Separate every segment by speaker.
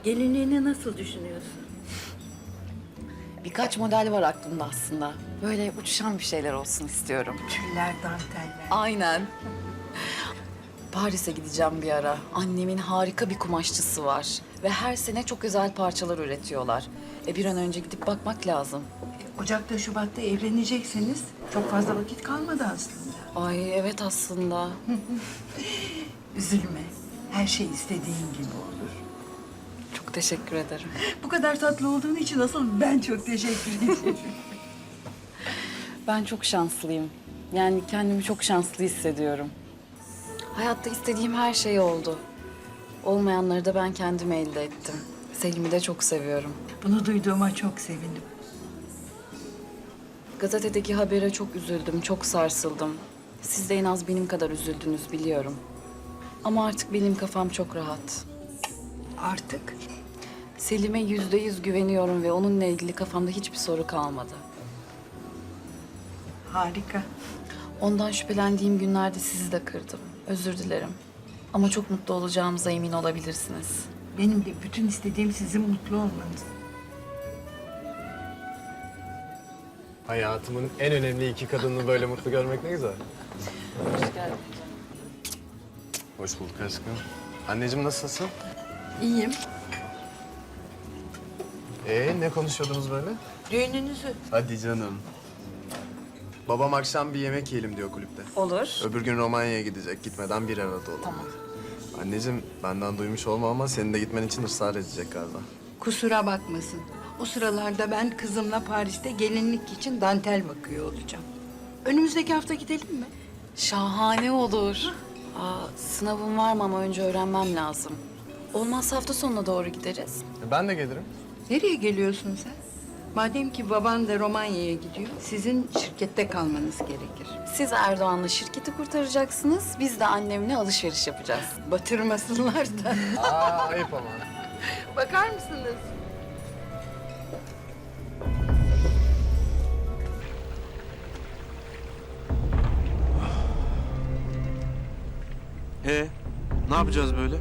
Speaker 1: Gelinliğini nasıl düşünüyorsun?
Speaker 2: Birkaç model var aklımda aslında. Böyle uçuşan bir şeyler olsun istiyorum.
Speaker 1: Tüller, danteller.
Speaker 2: Aynen. Paris'e gideceğim bir ara. Annemin harika bir kumaşçısı var. Ve her sene çok özel parçalar üretiyorlar. Bir an önce gidip bakmak lazım.
Speaker 1: Ocak'ta, Şubat'ta evlenecekseniz çok fazla vakit kalmadı aslında.
Speaker 2: Ay evet aslında.
Speaker 1: Üzülme. Her şey istediğin gibi olur.
Speaker 2: Çok teşekkür ederim.
Speaker 1: Bu kadar tatlı olduğun için asıl ben çok teşekkür ederim.
Speaker 2: Ben çok şanslıyım. Yani kendimi çok şanslı hissediyorum. Hayatta istediğim her şey oldu. Olmayanları da ben kendim elde ettim. Selim'i de çok seviyorum.
Speaker 1: Bunu duyduğuma çok sevindim.
Speaker 2: Gazetedeki habere çok üzüldüm, çok sarsıldım. Siz de en az benim kadar üzüldünüz biliyorum. Ama artık benim kafam çok rahat.
Speaker 1: Artık
Speaker 2: Selim'e %100 güveniyorum ve onunla ilgili kafamda hiçbir soru kalmadı.
Speaker 1: harika.
Speaker 2: Ondan şüphelendiğim günlerde sizi de kırdım. Özür dilerim. Ama çok mutlu olacağımıza emin olabilirsiniz.
Speaker 1: Benim de bütün istediğim sizin mutlu olmanız.
Speaker 3: Hayatımın en önemli iki kadını böyle mutlu görmek ne güzel.
Speaker 2: Hoş geldin.
Speaker 3: Hoş bulduk aşkım. Anneciğim nasılsın?
Speaker 1: İyiyim.
Speaker 3: Ne konuşuyordunuz böyle?
Speaker 1: Düğününüzü.
Speaker 3: Hadi canım. Babam akşam bir yemek yiyelim diyor kulüpte.
Speaker 2: Olur.
Speaker 3: Öbür gün Romanya'ya gidecek. Gitmeden bir arada olalım.
Speaker 2: Tamam.
Speaker 3: Anneciğim benden duymuş olma ama senin de gitmen için ısrar edecek galiba.
Speaker 1: Kusura bakmasın. O sıralarda ben kızımla Paris'te gelinlik için dantel bakıyor olacağım. Önümüzdeki hafta gidelim mi?
Speaker 2: Şahane olur. Sınavım var mı ama önce öğrenmem lazım. Olmazsa hafta sonuna doğru gideriz.
Speaker 3: Ben de gelirim.
Speaker 1: Nereye geliyorsun sen? Madem ki baban da Romanya'ya gidiyor, sizin şirkette kalmanız gerekir.
Speaker 2: Siz Erdoğan'la şirketi kurtaracaksınız, biz de annemle alışveriş yapacağız.
Speaker 1: Batırmasınlar da.
Speaker 3: Ayıp ama.
Speaker 1: Bakar mısınız?
Speaker 4: Ne yapacağız böyle?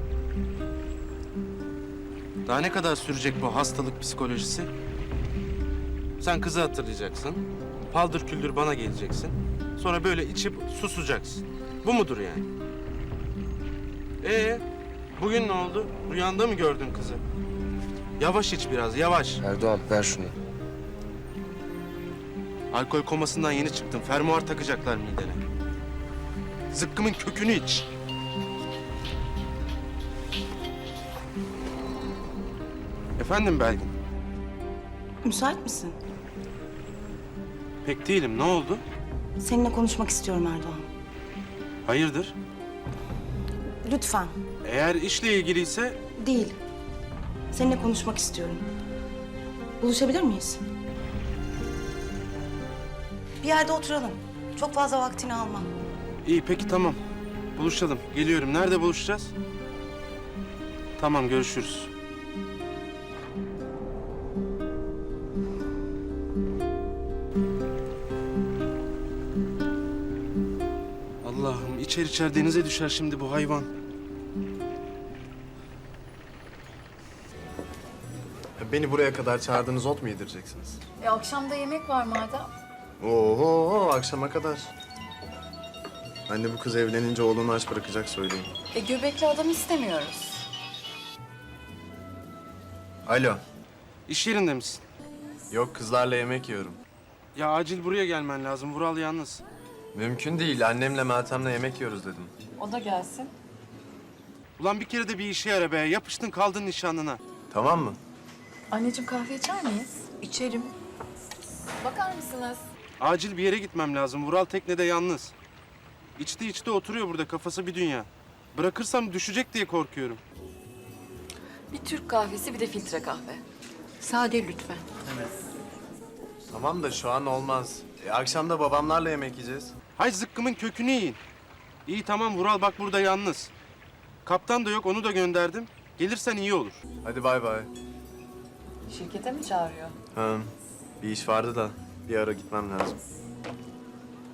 Speaker 4: Daha ne kadar sürecek bu hastalık psikolojisi? Sen kızı hatırlayacaksın. Paldır küldür bana geleceksin. Sonra böyle içip susacaksın. Bu mudur yani? Bugün ne oldu? Rüyanda mı gördün kızı? Yavaş iç biraz, yavaş.
Speaker 5: Erdoğan ver şunu.
Speaker 4: Alkol komasından yeni çıktın. Fermuar takacaklar midene. Zıkkımın kökünü iç. Efendim Belgin?
Speaker 6: Müsait misin?
Speaker 4: Pek değilim. Ne oldu?
Speaker 6: Seninle konuşmak istiyorum Erdoğan.
Speaker 4: Hayırdır?
Speaker 6: Lütfen.
Speaker 4: Eğer işle ilgiliyse
Speaker 6: Değil. Seninle konuşmak istiyorum. Buluşabilir miyiz? Bir yerde oturalım. Çok fazla vaktini almam.
Speaker 4: iyi peki tamam. Buluşalım. Geliyorum. Nerede buluşacağız? Tamam görüşürüz. Allah'ım içer denize düşer şimdi bu hayvan.
Speaker 3: Beni buraya kadar çağırdığınız ot mu yedireceksiniz?
Speaker 2: Akşamda yemek var madem.
Speaker 3: Oho akşama kadar. Anne bu kız evlenince oğlunu aç bırakacak söyleyeyim.
Speaker 2: Göbekli adam istemiyoruz.
Speaker 3: Alo.
Speaker 4: İş yerinde misin?
Speaker 3: Yok kızlarla yemek yiyorum.
Speaker 4: Ya acil buraya gelmen lazım. Vural yalnız.
Speaker 3: Mümkün değil. Annemle Meltem'le yemek yiyoruz dedim.
Speaker 2: O da gelsin.
Speaker 4: Ulan bir kere de bir işe yara be. Yapıştın kaldın nişanlına.
Speaker 3: Tamam mı?
Speaker 2: Anneciğim kahve içer miyiz?
Speaker 1: İçerim.
Speaker 2: Bakar mısınız?
Speaker 4: Acil bir yere gitmem lazım. Vural teknede yalnız. İçti oturuyor burada. Kafası bir dünya. Bırakırsam düşecek diye korkuyorum.
Speaker 2: Bir Türk kahvesi bir de filtre kahve.
Speaker 1: Sade lütfen.
Speaker 3: Tamam da şu an olmaz. Akşam da babamlarla yemek yiyeceğiz.
Speaker 4: Hay zıkkımın kökünü yiyin. İyi tamam Vural bak burada yalnız. Kaptan da yok onu da gönderdim. Gelirsen iyi olur.
Speaker 3: Hadi bay bay.
Speaker 2: Şirkete mi çağırıyor?
Speaker 3: Ha, bir iş vardı da bir ara gitmem lazım.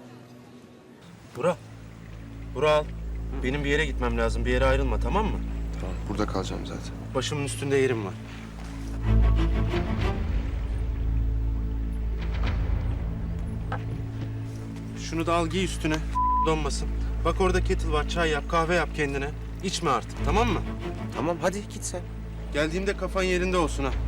Speaker 4: Vural. Benim bir yere gitmem lazım. Bir yere ayrılma tamam mı?
Speaker 3: Tamam, burada kalacağım zaten.
Speaker 4: Başımın üstünde yerim var. Şunu da al giy üstüne. Donmasın. Bak orada kettle var. Çay yap, kahve yap kendine. İçme artık, tamam mı?
Speaker 5: Tamam hadi git sen.
Speaker 4: Geldiğimde kafan yerinde olsun ha.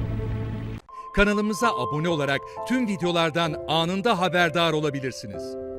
Speaker 7: Kanalımıza abone olarak tüm videolardan anında haberdar olabilirsiniz.